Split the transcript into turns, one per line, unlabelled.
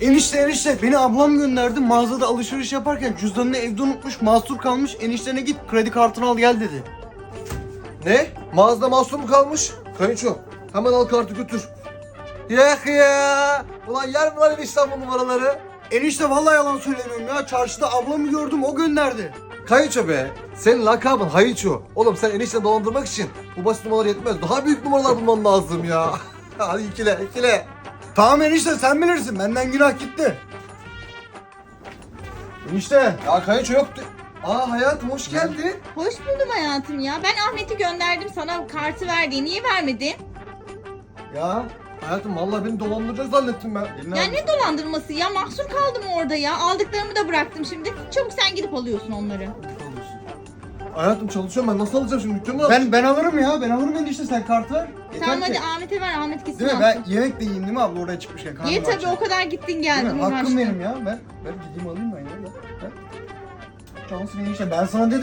Enişte beni ablam gönderdi, mağazada alışveriş yaparken cüzdanını evde unutmuş, mahsur kalmış, eniştene git kredi kartını al gel dedi.
Ne? Mağazada mahsur mu kalmış? Kayınço hemen al kartı götür. Yak ya. Ulan yer mi lan enişten bu numaraları?
Enişte vallahi yalan söylemiyorum ya, çarşıda ablamı gördüm, o gönderdi.
Kayınço be. Senin lakabın Hayınço. Oğlum sen enişteni dolandırmak için bu basit numaralar yetmez. Daha büyük numaralar bulman lazım ya. Hadi ikile.
Tamam enişte, sen bilirsin, benden günah gitti. Enişte.
Ya Kayınço yoktu. Aa hayatım hoş geldin.
Hoş buldum hayatım ya. Ben Ahmet'i gönderdim, sana kartı verdi. Niye vermedin?
Ya hayatım vallahi beni dolandıracak zannettim ben.
Ya ne dolandırması ya? Mahsur kaldım orada ya. Aldıklarımı da bıraktım şimdi. Çabuk sen gidip alıyorsun onları.
Hayatım çalışıyorum ben nasıl alacağım şimdi dükkanı mı?
Ben alırım ya, ben alırım enişte, sen kartı ver. Yeter
Tamam
ki.
hadi Ahmet'e ver. Ahmet gitsin
Değil mi?
alsın.
Ben yemek de yiyeyim değil mi abla, oraya çıkmışken karnım
Ye tabii,
aç.
o kadar gittin
Değil
geldin.
mi? Hakkım
uğraştın.
benim ya, ben gideyim alayım ben ya. Ben. Cansın enişte, ben sana dedim.